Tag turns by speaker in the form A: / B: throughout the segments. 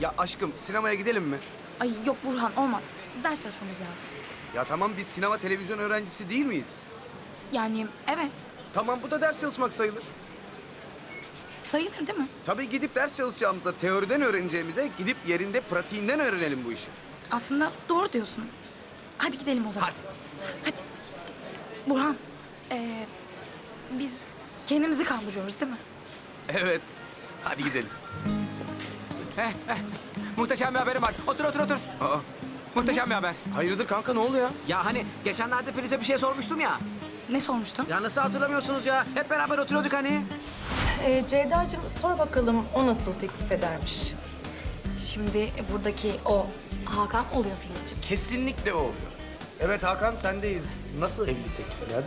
A: Ya aşkım sinemaya gidelim mi?
B: Ay yok Burhan olmaz. Ders çalışmamız lazım.
A: Ya tamam biz sinema televizyon öğrencisi değil miyiz?
B: Yani evet.
A: Tamam bu da ders çalışmak sayılır.
B: Sayılır değil mi?
A: Tabii gidip ders çalışacağımızda teoriden öğreneceğimize gidip yerinde pratiğinden öğrenelim bu işi.
B: Aslında doğru diyorsun. Hadi gidelim o zaman.
A: Hadi.
B: Hadi. Burhan, biz kendimizi kandırıyoruz değil mi?
A: Evet. Hadi gidelim.
C: Muhteşem bir haberim var. Otur.
A: Aa,
C: Muhteşem bir haber.
A: hayırdır kanka ne oldu ya?
C: Ya hani geçenlerde Filiz'e bir şey sormuştum ya.
B: Ne sormuştun?
C: Ya nasıl hatırlamıyorsunuz ya? Hep beraber oturuyorduk hani.
D: Ceyda'cığım sor bakalım o nasıl teklif edermiş?
B: Şimdi buradaki o Hakan oluyor Filizciğim.
A: Kesinlikle o oluyor. Evet Hakan sendeyiz. Nasıl evlilik teklif ederdin?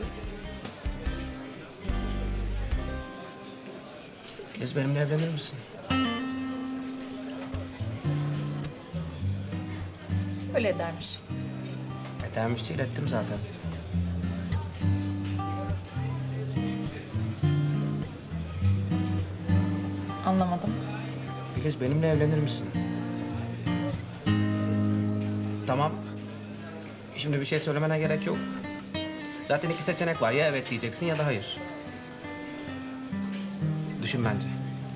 C: Filiz benimle evlenir misin?
D: Öyle edermiş.
C: Edermiş değil, ettim zaten.
D: Anlamadım.
C: Filiz benimle evlenir misin? Tamam. Şimdi bir şey söylemene gerek yok. Zaten iki seçenek var. Ya evet diyeceksin ya da hayır. Düşün bence.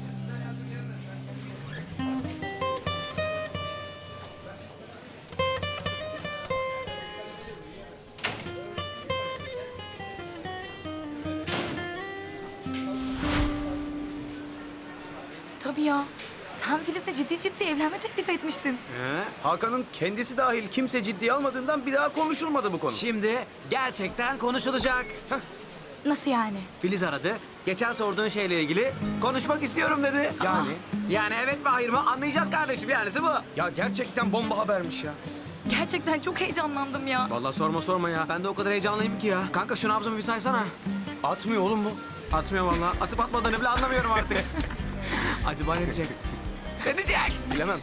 B: Tabii ya. Sen Filiz'le ciddi evlenme teklif etmiştin.
A: Hakan'ın kendisi dahil kimse ciddiye almadığından bir daha konuşulmadı bu konu.
C: Şimdi gerçekten konuşulacak.
B: Nasıl yani?
C: Filiz aradı. Geçen sorduğun şeyle ilgili konuşmak istiyorum dedi.
A: Yani?
C: Yani evet mi hayır mı anlayacağız kardeşim, yanisi bu.
A: Ya gerçekten bomba habermiş ya.
B: Gerçekten çok heyecanlandım ya.
C: Vallahi sorma ya. Ben de o kadar heyecanlıyım ki ya. Kanka şu nabzımı bir saysana.
A: Atmıyor oğlum bu.
C: Atmıyor vallahi. Atıp atmadığını bile anlamıyorum artık. Acaba ne diyecek? Ne diyecek?
A: Bilemem.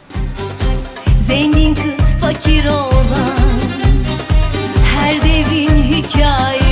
E: Zengin kız fakir oğlan, her devrin hikayesi.